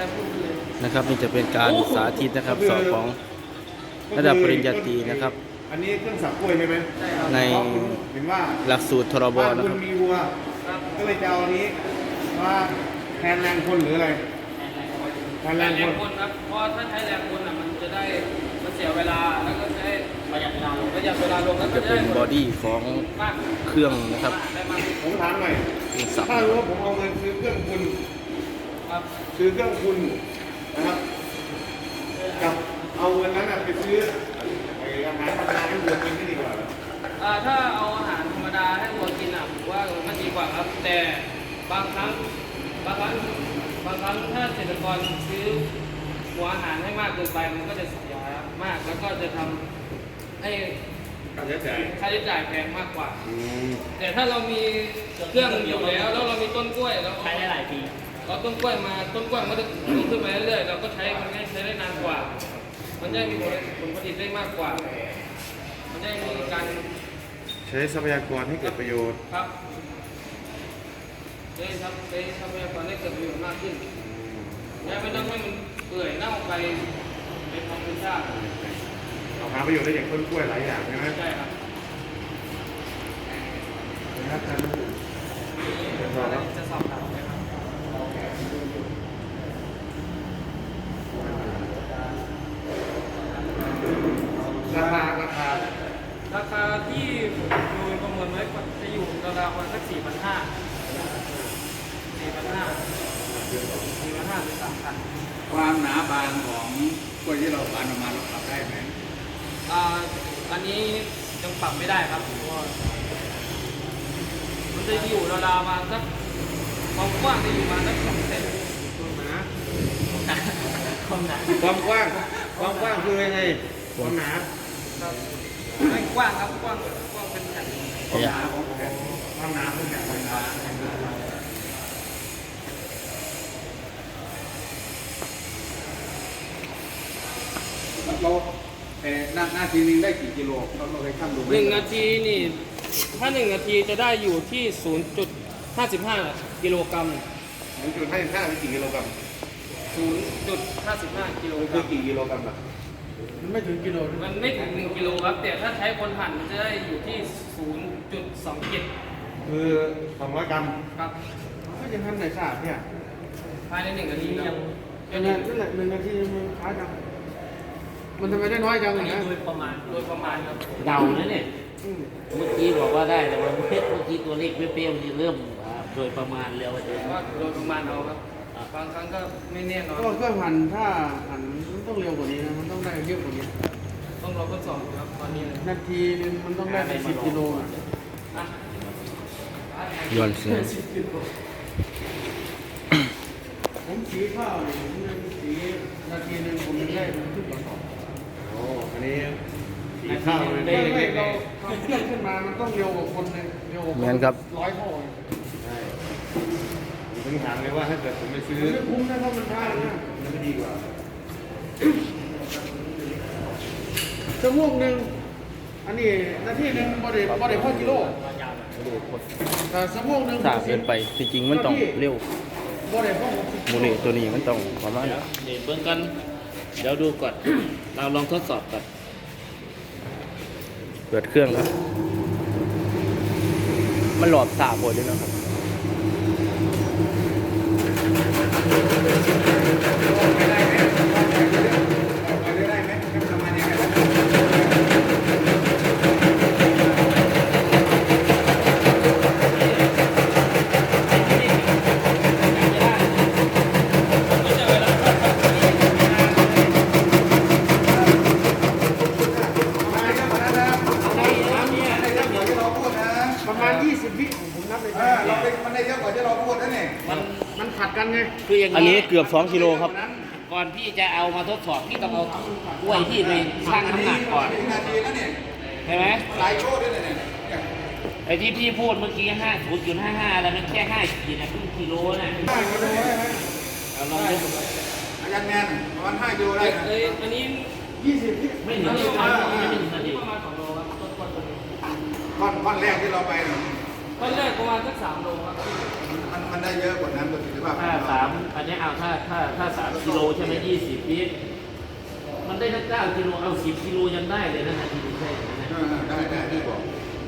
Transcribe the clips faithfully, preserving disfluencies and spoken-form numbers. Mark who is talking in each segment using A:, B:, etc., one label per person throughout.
A: นะครับนี่จะเป็นการสาธิตนะครับสอบของระดับปริญญาตรีนะครับ
B: อันนี้เครื่องสับกล้วยใช่ไหม
A: ใน
B: เห็นว่า
A: หลักสูตรทรบนะ
B: คุ
A: ครับ
B: ณมีวัวก็เลยจะเอาอันนี้มาแทนแรงคนหรืออะไรแทนแรงคน
C: ครับเพราะถ้าใช้แรงคนอ่ะมันจะได้มันเสียเวลาแล้วก็ใช้ประหยัดเวลาลงประหยัดเวลาลงแล้วก็
A: จะเป็นบอดี้ของเครื่องนะครับ
B: ผมถามหน่อยถ้ารู้ว่าผมเอาเงินซื้อเครื่องคุณซื้อเครื่องคุณนะครับกับเอาเงินนั้นไปซื้ออาหารธรรมดาให้วัวกินไม่ดีกว่า
C: ถ้าเอาอาหารธรรมดาให้วัวกินอ่ะผมว่ามันดีกว่าครับแต่บางครั้งบางครั้งบางครั้งถ้าเกษตรกรซื้อหัวอาหารให้มากเกินไปมันก็จะเสียมากแล้วก็จะทำให้
B: ค่าใช้จ่าย
C: ค่าใช้จ่ายแพงมากกว่าแต่ถ้าเรามีเครื่องอยู่แล้วแล้วเรามีต้นกล้วยแล้ว
D: ใช้ได้หลายปี
C: เราต้นกล้วยมาต้นกล้วยมันก็จะขึ้นมาเรื่อยๆเราก็ใช้มันใช้ได้นานกว่ามันจะมีผลผลิตได้มากกว่ามันจะมีการ
B: ใช้ทรัพยากรให้เกิดประโยชน์
C: ครับใช้ทรัใช้ทรัพยากรให้เกิดประโยชน์มากขึ้นและไม่ต้องให้มันเปื่อยเน่าไปเป็นธรรมชาติ
B: เอาหาประโยชน์ได้อย่างต้นกล้วยหลายอย่างใช่ไหม
C: ใช่ครับ
B: นะครับท่าน
C: จะสอบถามไหมครับ
B: ราคาราคา
C: ราคาที่โดยประเมินไว้จะอยู่ราวๆประมาณสักสี่พันห้าสี่พันห้าสี่พันห้าถึงสามพัน
D: ความหนาบางของกล้วยที่เราบานออกมาเราปรับได้ไหม
C: อ่าอันนี้ยังปรับไม่ได้ครับเพราะว่ามันจะอยู่ราวๆมาสักความกว้างจะอยู่มาสักสองเซน
D: ความหนา
B: ความกว้างความกว้างคือยังไงความหนา
C: ไม่กว้างครับกว้างกว้างเป็นแผ่น
B: ความหนาของแผ่นความหนาของแผ่นความหนาเราเอ่อหน้าหน้าทีนึงได้กี่กิโลเราเราเคยชั่งดูไหม
C: หนึ่งนาทีนี่ถ้าหนึ่งนาทีจะได้อยู่ที่ศูนย์จุดห้าสิบห้ากิโลกรัม
B: ศูนย์จุดห้าสิบห้าเป็นกี่กิโลกรัม
C: ศูนย์จุดห้าสิบห้ากิโลกรั
B: มคือกี่กิโลกรัมล่ะ
C: มันไม่ถึงกิโลมันไม่ถึงหนึ่งกิโลครับแต่ถ้าใช้คนหั่นมันจะได้อยู่ที่ศูนย์จุดสองเจ็ด
B: คือสองร้อยกรัม
C: ครับ
B: ก็ยังทำไหนสะอาดเนี่ย
C: ภายในหนึ่งนาทียัง
B: นั่นแหละนั่นแหละหนึ่งนาทีมันช้าจังมันทำไมได้น้อยจังอย่างนี้
C: โดยประมาณโดยประมาณครับ
D: เดานะเนี่ยเมื่อกี้บอกว่าได้แต่ว่าเมื่อกี้ตัวเลขเปรี้ยวๆที่เริ่มโดยประมาณเร็วเลย
C: ว่าโดยประมาณเอาครับบางครั้งก็ไม่แน่นอน
B: ก็เครื่องหั่นถ้าหั่นมันต้องเร็วกว่านี้นะมันต้องได้เยอะกว่านี้
C: ต้องรอทดสอบครับตอนนี้
B: นาทีนึงมันต้องได้เป็นสิบกิโลอ่ะ
A: ย้อนเสีย
B: ผมสีข้าวเนี่ยผมสีนาทีนึงผมได้ขึ้นกระสอบโอ้อันนี้สีข้าวเลยไม่เราทำเครื่องขึ้นมามันต้องเร็วกว่าคนเลยเร็วกว่าร้อยเท่าใช่ผมถามเลยว่าถ้าเกิดผมไปซื้อไม่คุ้มนะเพราะมันช้านะมันไม่ดีกว่าชั่วโมงหนึ่งอันนี้นาทีหนึ่งบริบริพ่อกิโลแต่ชั่วโมงหนึ่ง
A: สาเกินไปจริงๆมันต้องเร็ว
B: บริพ่อ
A: โมเลตัวนี้มันต้องประมาณ
D: เดี๋ยวเบื้องกันเดี๋ยวดูก่อนเราลองทดสอบก่อน
A: เปิดเครื่องครับมันหลอดสาบหมดเลยนะครับ
B: ประมาณยี่สิบวิผมนับเลยเราเป็นมันได้เยอะกว่าที่เราพูดนั่นเองมันมันขัดกันไง
D: คืออย่าง
A: อันนี้เกือบสองกิโลครับ
D: ก่อนพี่จะเอามาทดสอบพี่ต้องเอากล้วยที่ไปชั่งน้ำหนักก่อนใช่ไหม
B: หลายโชว์ด้วยเนี่ย
D: ไอ้ที่พี่พูดเมื่อกี้ห้าศูนย์จุดห้าห้าแล้วมันแค่ห้าขีดนะครึ่งกิโลนะเอาลองดู
B: อาจารย์แมนประมาณห้ากิโลได้
C: อันนี้
B: ยี่สิบ
D: ไม่ถึงไม่ถึงนาที
C: ประมาณสองโลครับต้นต้นตัวนี้
B: ก้อนก้อนแรกที่เราไป
C: ตอนแรกประมาณสักสามโลครับ
B: มันมันได้เยอะกว่านั้นประสิทธิภาพ
D: ถ้าสามอันนี้เอาถ้าถ้าถ้าสามกิโลใช่ไหมยี่สิบลิตรมันได้ทั้งเก้ากิโลเอาสิบกิโลยังได้เลยนะนาทีนี้ใช่ไหม
B: เออได้ได้ได้บอก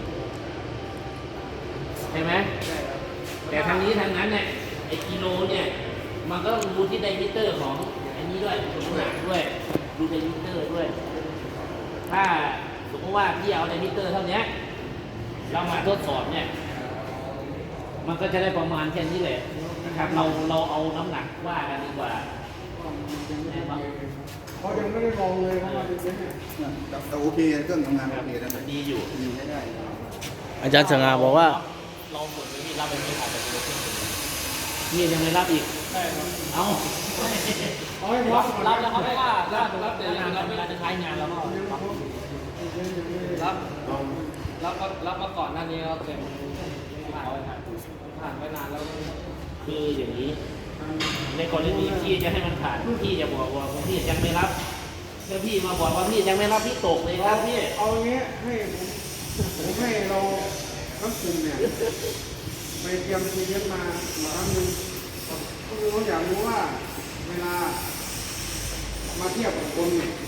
D: ใช่ไหมแต่ทางนี้ทางนั้นเนี่ยไอ้กิโลเนี่ยมันก็ต้องดูที่ไดมิเตอร์ของอันนี้ด้วยน้ำหนักด้วยดูไดมิเตอร์ด้วย ถ้าสมมติว่าพี่เอาไดมิเตอร์เท่านี้เรามาทดสอบเนี่ย มันก็จะได้ประมาณแค่นี้แหละนะครับ เราเราเอาน้ำหนักว่ากันดีกว่า
B: เขายังไม่ได้ลองเลยเพราะว่าเป็นเนี่ยแต่โอเคเครื่องทำงานโอเคนะ
D: มันดีอยู่
B: ดีใช้ได้
A: อาจารย์สง่าบอกว่า
D: เราหมดเลยที่รับไปไม่ขาดแต่ตัวเครื่องนี่ยังไม่รับอีก
C: ได้ครับ
D: เอา
B: เอาให้พร้อ
D: รั
B: ม
D: บ
B: ก่อน
D: รับแล้วเขาไม่ว่า
C: รั
D: รั
C: บบ รับแต่
D: งา
C: ยัง
D: น
C: รับ
D: เว
C: ไม่
D: ลาจะใช้งานแล้วก็รับ
C: รับรับมารับมาก่อนหน้านี้ครับแต่ผ่านผ่านไปนานแล้ว
D: คืออย่างนี้ ในกรณีที่จะให้มันผ่านพี่จะบอกว่าพี่ยังไม่รับถ้าพี่มาบอกว่าพี่ยังไม่รับพี่ตกเลยครับพี่
B: เอาอย่างเงี้ยให้ผมผมให้เราทั้งกลุ่มเนี่ยไปเตรียมทีเรียนมามาครั้งหนึงก็คือเขาอยากรู้ว่าเวลามาเทียบกับคนเนี่ย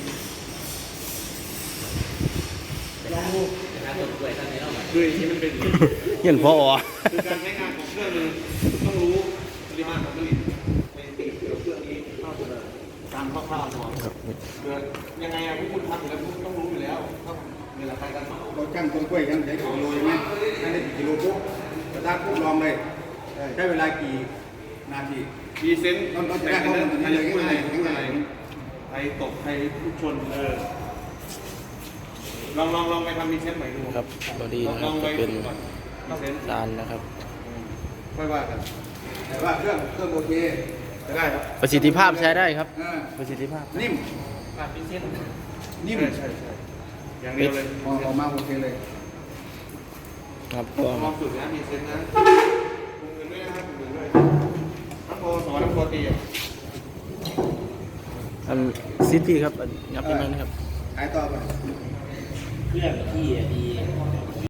B: ลองดู
D: ด้วยท่านนี้เล่ามา
B: ด้วยที่มันเป็น
A: เห็นพออ๋อ
B: คือการใช้งานของเครื่องนึงต้องรู้ปริมาณของผลิตในสิ่งเกี่ยวกับเครื่องนี้เท่าไหร่ตามคร่าวๆตัวเกิดยังไงอะพวกคุณทำอยู่แล้วพวกคุณต้องรู้อยู่แล้วต้องเวลาใครกันเราจ้างต้นกล้วยยังใช้กี่กิโลใช่ไหมให้ได้กี่กิโลปุ๊บสตาร์ทปุ๊บลองเลยใช้เวลากี่นาที
E: มีเซนส์
B: ต้องต้องจะได้ข้อมูลตรงนี้เลยง่ายๆง่าย
E: ใครตกใครทุกชนเออลองลองลองไปทำมีเซนส์ใหม่ดู
A: ครับบอดี้
E: ลอง
A: นะค
E: ล
A: รั
E: อบ งไป
A: จะเป็น
E: ฝึกก่อนมีเซนส์
A: ลานนะครับ
E: ค่อยว่ากัน
B: ๆแต่ว่าเครื่องเครื่องโอเค
E: จะได้ครับ
A: ประสิทธิภาพใช้ได้ครับ
B: เออ
A: ประสิทธิภาพ
B: นิ่ม
C: ผ่านพิเศษ
B: นิ่ม
E: ใช่ใช่ใช่อย่างเดียวเลย
B: พอออกมาโอเคเลย
A: ครับก็
E: ลองฝึกนะมีเซนส์นะกลุ่มอื่นด้วยนะครับกลุ่มอื่นด้วยน้ำโพสอนน้ำโพตีอ่ะ
A: อันซิตี้ครับอันยับยังไงนะครับ
B: ขายต่อไป
D: เครื่องพี่อะดี